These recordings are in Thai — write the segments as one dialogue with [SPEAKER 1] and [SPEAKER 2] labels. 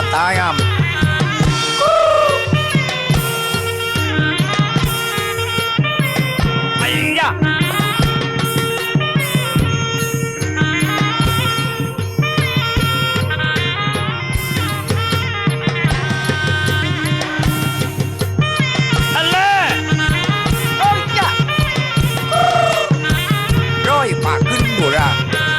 [SPEAKER 1] ตายอ่ะไอ้ยะอันเล่โอ้ยยะร้อยปากขึ้นดูระ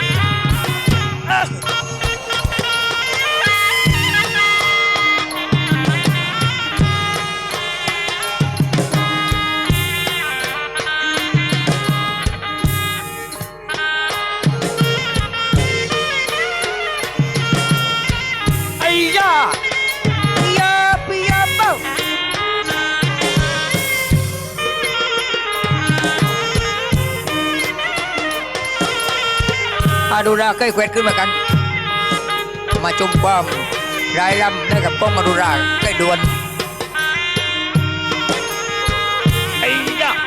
[SPEAKER 1] ดูราเคยเควดขึ้นมากันมาชมความรายรำได้กับป้องมาดูราใกล้ดวนไอ้ยะ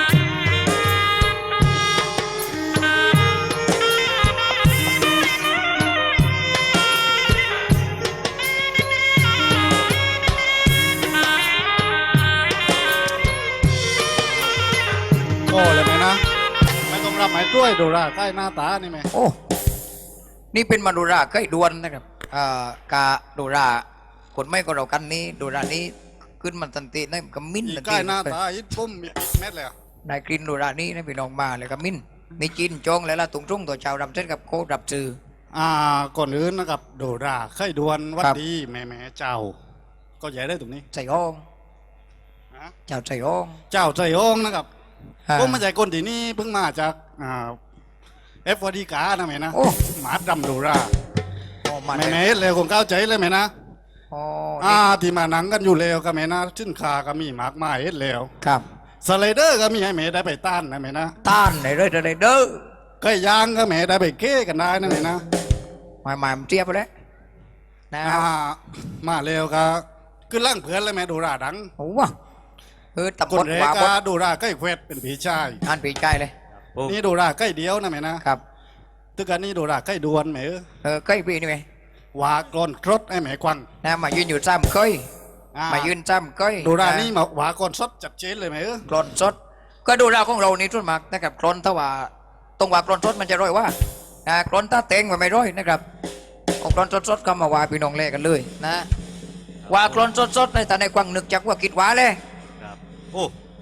[SPEAKER 2] โอ้เลยไหมนะไม่ต้องรับหมายกล้วยดูราใกล้หน้าตานี่ไหม
[SPEAKER 1] โอ้นี่เป็นมาดูราใกล้ดวนนะครับกาดูราคนไม่ก็เรากันนี้ดูรานี้ขึ้นมันตันติได้กับมิ้น
[SPEAKER 2] ใกล้หน้าตาอิดปุ้มมีปิดเม็ดเลยอ่ะ
[SPEAKER 1] ได้กลิ่นดูรานี้นะพี่น้องมาเลยกับมิ้นมีจีนจองแล้วล่ะตุงtrungตัวชาวรำเส้นกับโคดับจือ
[SPEAKER 2] ก่อนอื่นนะครับดูราใครดวนวัด
[SPEAKER 1] ครับ
[SPEAKER 2] ดีแม่เจ้า ก็ใหญ่ได้ตรงนี้
[SPEAKER 1] ใส่ห้อง
[SPEAKER 2] นะ
[SPEAKER 1] เจ้าใส่ห้อง
[SPEAKER 2] เจ้าใจองนะครับ
[SPEAKER 1] อ่า
[SPEAKER 2] ผมมาจากคนที่นี่เพิ่งมาจากเอฟวดีกานะแม่นะ
[SPEAKER 1] โอ้
[SPEAKER 2] หมาดำดูรา
[SPEAKER 1] โอ้มา
[SPEAKER 2] แม่
[SPEAKER 1] เลย
[SPEAKER 2] เลยคงเข้าใจเลยแม่นะ
[SPEAKER 1] โอ้นี่
[SPEAKER 2] ที่มาหนังกันอยู่แล้วก็แม่นะชิ้นคาก็มีหมากไม้เฮ็ดแล้ว
[SPEAKER 1] ครับ
[SPEAKER 2] สไลเดอร์ก็มีให้แม่ได้ไปต้านนะแม่นะ
[SPEAKER 1] ต้านไหนเลยอะไรเด้อ
[SPEAKER 2] ไก่ย่างก็แม่ได้ไปเก้กันได้นะแม่นะ
[SPEAKER 1] หมายมันเทียบไปแล้วนะค
[SPEAKER 2] อ่า
[SPEAKER 1] รับ
[SPEAKER 2] มาเร็วก็ขึ้นล่างเพื่อนเลยแม่ดูราดัง
[SPEAKER 1] โอ้วะตำ
[SPEAKER 2] ค
[SPEAKER 1] บ
[SPEAKER 2] น
[SPEAKER 1] ล
[SPEAKER 2] เร
[SPEAKER 1] ขวาบ
[SPEAKER 2] ก็
[SPEAKER 1] ด
[SPEAKER 2] ดูราใกล้เควดเป็นผีชาย
[SPEAKER 1] อ่านปีใจเลย
[SPEAKER 2] นี่ดูราใกล้เดียวนะแม่นะครับ ตึกกันนี่ดูราใกล้ดวนแม่
[SPEAKER 1] ใกล้ปีนี่ไหม
[SPEAKER 2] วากรอนครดไอ้แม่ควัง
[SPEAKER 1] นะมายืนอยู่ซ้ำก้อย
[SPEAKER 2] อ่
[SPEAKER 1] มายืนซ้ำก้อย
[SPEAKER 2] ดูรานี่มาวากรสดจัดเจนเลยแม่
[SPEAKER 1] กรอนสด ก็ดูราของเรานี่ทุนมากนะครับกรอนถ้าว่าตรงว่ากรอนสดมันจะร้อยว่ากรอนตาเต็งมันไม่ร้อยนะครับเอากรอนสดๆก็มาว่าพี่น้องเล่กันเลยนะว่ากรอนสดๆในแต่ในกวางนึกจากว่าคิดว่าเลย
[SPEAKER 3] ครับโอ้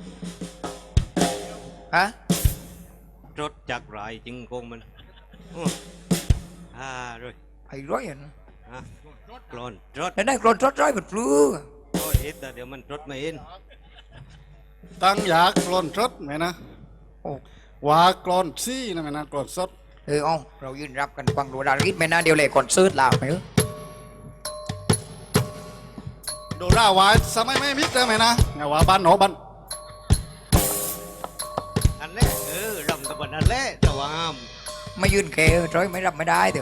[SPEAKER 1] ฮะ
[SPEAKER 3] รถจากไรจริงคงมันโอ้เลย
[SPEAKER 1] ไอ้ร้อยอ่ะนะ
[SPEAKER 3] อ่ะกลอนรถ
[SPEAKER 1] แล้วได้กรอนสดร้อยแบบปลื้อ
[SPEAKER 3] โอ้เอ็ดแต่เดี๋ยวมันรถไม่เอ็น
[SPEAKER 2] ตั้งอยากกรอนสดแม่นะ
[SPEAKER 1] โอ้
[SPEAKER 2] วากรอนซี่นะแม่นะกรอนสด
[SPEAKER 1] เอาเรายืนรับกันกวางดูราริดไม่น่าเดียวเลยก่อนซื้อลาวไหม
[SPEAKER 2] ดูราวายสมัยไม่มิดเลยแม่นะอย่าว่าบ้านหนอบ้าน
[SPEAKER 3] อันแรกรำตะวันอันแรกแต่ว่าห้าม
[SPEAKER 1] ไม่ยืนเกยร้อยไม่รับไม่ได้เถอะ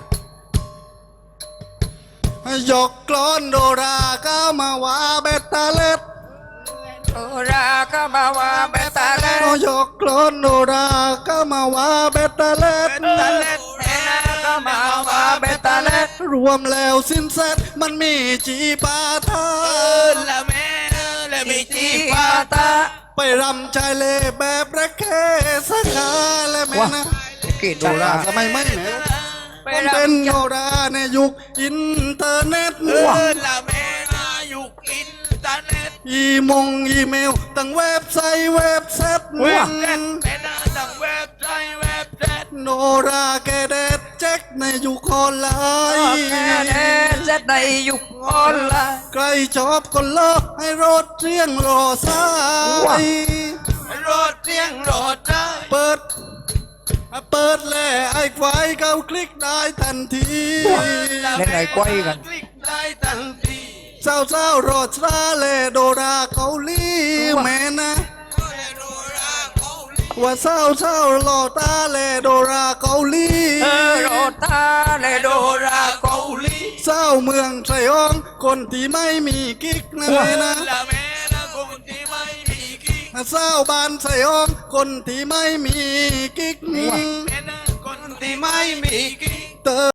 [SPEAKER 2] ยกกรอนโดราก็มาว่าเบตตาเล็ด
[SPEAKER 1] โอราก็มาว่าเบตาเล่น
[SPEAKER 2] ยกกรอนโดราก็มาว่าเบตตาเล็ด
[SPEAKER 1] ตาเล่นแม่นาก็มาว่าเบตาเล่น
[SPEAKER 2] รวมแล้วสิ้นเสร็จมันมีจีปาทา
[SPEAKER 1] ละแม่ละมีจีปาตา
[SPEAKER 2] ไปรำชายเล่แบบระเคสักาและแม่นะ
[SPEAKER 1] กี่
[SPEAKER 2] โดราสมัยไม่แม่มันเป็นโดราในยุคอินเทอร์เน็ต
[SPEAKER 1] ละแม่นายุคอินเทอร์เน็ต
[SPEAKER 2] อีเมลตั้งเว็บไซต์เว็บเซ็ต
[SPEAKER 1] แม่นาตั้งเว็บไซต์เว็บเซ็ต
[SPEAKER 2] โนราแกเด็ดเช็คในยุคออนไลน์
[SPEAKER 1] แม่เด็ดเซ็ตในยุคออนไลน์
[SPEAKER 2] ใครชอบก็เลิกให้รถเรียงรอสาย
[SPEAKER 1] รถเสียงรถได้
[SPEAKER 2] เปิดแล้วไอ้ไฟเขาคลิกได้ทันที
[SPEAKER 1] เล่นไอ้กล้วยกัน
[SPEAKER 3] คลิกได้ทันที
[SPEAKER 2] เจ้ารถซาเลโดราเกาหลีแม่นะว่าเศร้ารอตาเลโดราเกาหลี
[SPEAKER 1] โรตาเลโดราเกาหลี
[SPEAKER 2] เศร้าเมืองไสยองคนที่ไม่มีกิ๊กนะแม่นะ
[SPEAKER 1] ละแม่นะคนที่ไม่มีกิ๊ก
[SPEAKER 2] เศร้าบ้านไสยองคนที่ไม่มีกิ๊ก
[SPEAKER 1] แม่นะคนที่ไม่มีกิ๊ก
[SPEAKER 2] เตอ